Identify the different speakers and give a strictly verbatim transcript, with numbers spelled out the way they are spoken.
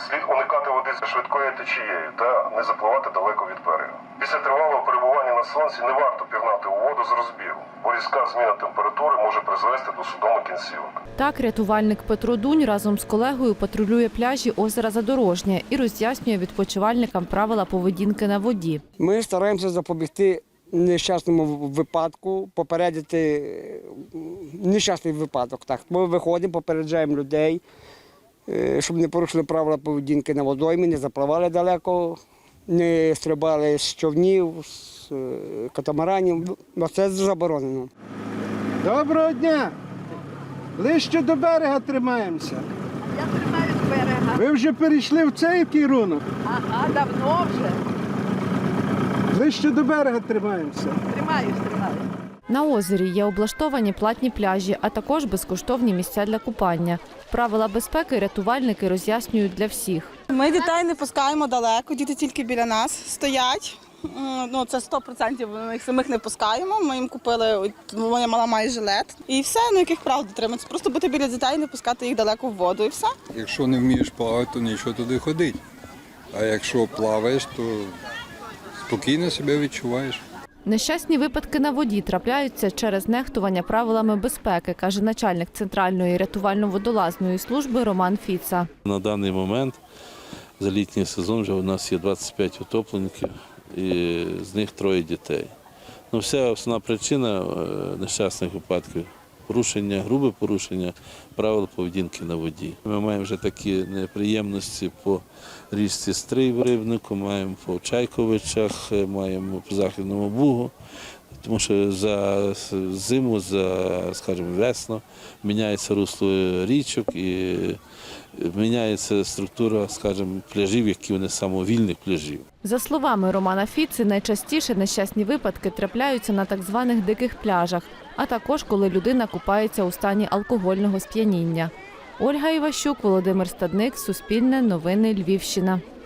Speaker 1: Слід уникати води з швидкою течією та не запливати далеко від берега. Після тривалого перебування на сонці не варто пірнати у воду з розбігу, бо різка зміна температури може призвести до судомих кінцівок.
Speaker 2: Так, рятувальник Петро Дунь разом з колегою патрулює пляжі озера Задорожнє і роз'яснює відпочивальникам правила поведінки на воді.
Speaker 3: Ми стараємося запобігти нещасному випадку, попередити нещасний випадок. Так, ми виходимо, попереджаємо людей, щоб не порушили правила поведінки на водоймі, не запливали далеко, не стрибали з човнів, з катамаранів. Це заборонено.
Speaker 4: Доброго дня! Ближче до берега тримаємося.
Speaker 5: Я тримаю з берега.
Speaker 4: Ви вже перейшли в цей керунок?
Speaker 5: Ага, давно вже.
Speaker 4: Ближче до берега тримаємося.
Speaker 5: Тримаюсь, тримаюсь.
Speaker 2: На озері є облаштовані платні пляжі, а також безкоштовні місця для купання. Правила безпеки рятувальники роз'яснюють для всіх.
Speaker 6: Ми дітей не пускаємо далеко, діти тільки біля нас стоять. Ну, це сто відсотків, ми їх самих не пускаємо. Ми їм купили, моя мала має жилет. І все, ну яких прав дотриматися. Просто бути біля дітей, не пускати їх далеко в воду і все.
Speaker 7: Якщо не вмієш плавати, то нічого туди ходить. А якщо плаваєш, то спокійно себе відчуваєш.
Speaker 2: Нещасні випадки на воді трапляються через нехтування правилами безпеки, каже начальник Центральної рятувально-водолазної служби Роман Фіца.
Speaker 8: На даний момент за літній сезон вже у нас є двадцять п'ять утопленників, і з них троє дітей. Ну, вся основна причина нещасних випадків – порушення, грубе порушення правил поведінки на воді. Ми маємо вже такі неприємності по річці Стрий в Рибнику, маємо по Чайковичах, маємо по Західному Бугу, тому що за зиму, за, скажімо, весну міняється русло річок і міняється структура, скажімо, пляжів, які вони самовільних пляжів.
Speaker 2: За словами Романа Фіци, найчастіше нещасні випадки трапляються на так званих диких пляжах, а також коли людина купається у стані алкогольного сп'яніння. Ольга Іващук, Володимир Стадник, Суспільне, Новини, Львівщина.